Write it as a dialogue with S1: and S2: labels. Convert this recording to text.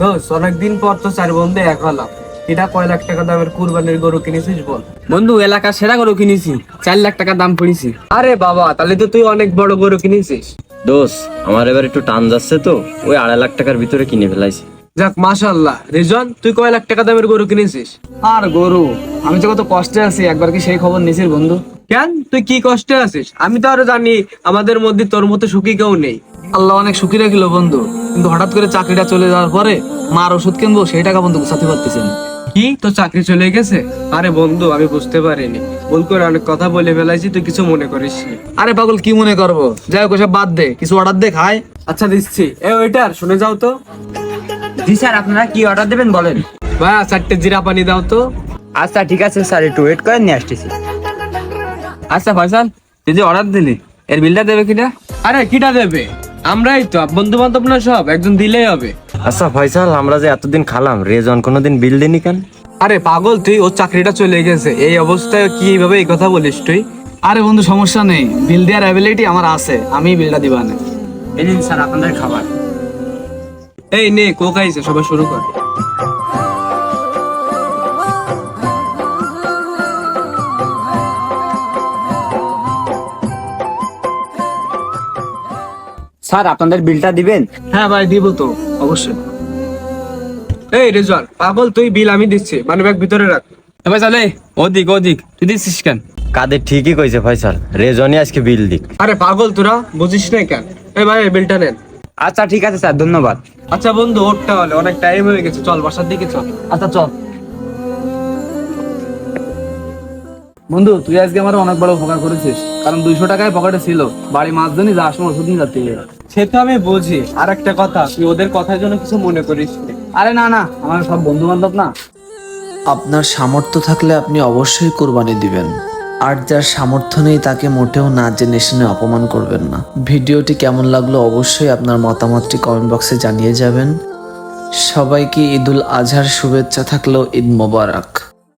S1: দোষ, অনেকদিন পর তো চার বন্ধু এক হলাম। এটা কয় লাখ টাকা দামের কুরবানির গরু কিনেছিস বল?
S2: বন্ধু, এলাকার সেরা গরু কিনেছি, 4 লাখ টাকা দাম পড়েছি।
S1: আরে বাবা, তাহলে তো তুই অনেক বড় গরু কিনেছিস।
S3: দোষ, আমার এবার একটু টান যাচ্ছে তো ওই 2.5 লাখ টাকার ভিতরে কিনে ফেলাইছি।
S1: যাক মাশাআল্লাহ। রিজন, তুই কয় লাখ টাকা দামের গরু কিনেছিস?
S2: আর গরু, আমি তো কত কষ্টে আছি, একবার কি সেই খবর নিছিস বন্ধু?
S1: কেন, তুই কি কষ্টে আছিস? আমি তো আরো জানি আমাদের মধ্যে তোর মতো সুখী কেউ নেই।
S2: আল্লাহ অনেক সুখী রাখিল বন্ধু, কিন্তু হঠাৎ করে চাকরিটা চলে যাওয়ার পরে মার ওষুধ কিনবো সেই টাকা বন্ধু গুছাতে পারতেছি না।
S1: কি, তোর চাকরি চলে গেছে? আরে বন্ধু, আমি বুঝতে পারিনি, ভুল করে অনেক কথা বলে ফেলাইছি, তুই কিছু মনে করিস নি।
S2: আরে পাগল, কি মনে করবো? যাই হোক, ওসব বাদ দে, কিছু অর্ডার দে খাই।
S1: আচ্ছা দিচ্ছি। ওইটার শুনে যাও তো।
S4: জি স্যার, আপনারা কি অর্ডার দেবেন বলেন।
S1: ভাইয়া 4টে জিরা পানি দাও তো।
S4: আচ্ছা ঠিক আছে স্যার, একটু ওয়েট করেন, নিয়ে আসতেছি।
S2: আচ্ছা ফয়সাল, তুই যে অর্ডার দিলি এর বিলটা দেবে কিনা?
S1: আরে কিটা দেবে? আমরাই তো বন্ধু বান্ধব না, সব একজন দিলেই হবে।
S3: আচ্ছা ফয়সাল, আমরা যে এতদিন খালাম, রেজন কোনোদিন বিল দিনি কেন?
S1: আরে পাগল তুই, ওর চাকরিটা চলে গেছে, এই অবস্থায় কিভাবে এই কথা বলিস তুই?
S2: আরে বন্ধু সমস্যা নেই, বিল দেওয়ার অ্যাবিলিটি আমার আছে, আমি বিলটা দিবা না।
S4: এই নিন স্যার আপনাদের খাবার।
S1: এই নে, কোক আইছে, সবাই শুরু কর।
S4: স্যার আপনাদের বিলটা দিবেন?
S2: হ্যাঁ ভাই, দিব তো অবশ্যই।
S1: এই রেজওয়ান, পাগল তুই, বিল আমি দিচ্ছি, মানি ব্যাগ ভিতরে রাখ।
S2: এবার চলে, ওদিক ওদিক, তুই দিচ্ছিস কেন?
S3: কাদের ঠিকই কইছে ফয়সাল, রেজনই আজকে বিল দিক।
S1: আরে পাগল তোরা বুঝিস না কেন? এই ভাই, এই বিলটা নেন।
S4: আচ্ছা ঠিক আছে স্যার, ধন্যবাদ।
S1: আচ্ছা বন্ধু, ওরটা হলে অনেক টাইম হয়ে গেছে, চল বাসার দিকে চল।
S2: আচ্ছা চল বন্ধু, তুই আজকে আমার অনেক বড় উপকার করেছিস, কারণ 200 টাকায় পকেটে ছিল, বাড়ি মাছ জানি যাওয়ার সময় ওষুধ নিয়ে যাতে হবে।
S1: সে তো আমি বুঝি, আর একটা কথা, তুই ওদের কথার জন্য কিছু মনে করিস না।
S2: আরে না না, আমার সব বন্ধু বান্ধব না।
S5: আপনার সামর্থ্য থাকলে আপনি অবশ্যই কোরবানি দিবেন, আর যার সামর্থ্য নেই তাকে মোটেও না জেনে শুনে অপমান করবেন না। ভিডিওটি কেমন লাগলো অবশ্যই আপনার মতামতটি কমেন্ট বক্সে জানিয়ে যাবেন। সবাইকে ঈদুল আজহার শুভেচ্ছা থাকলেও ঈদ মোবারক।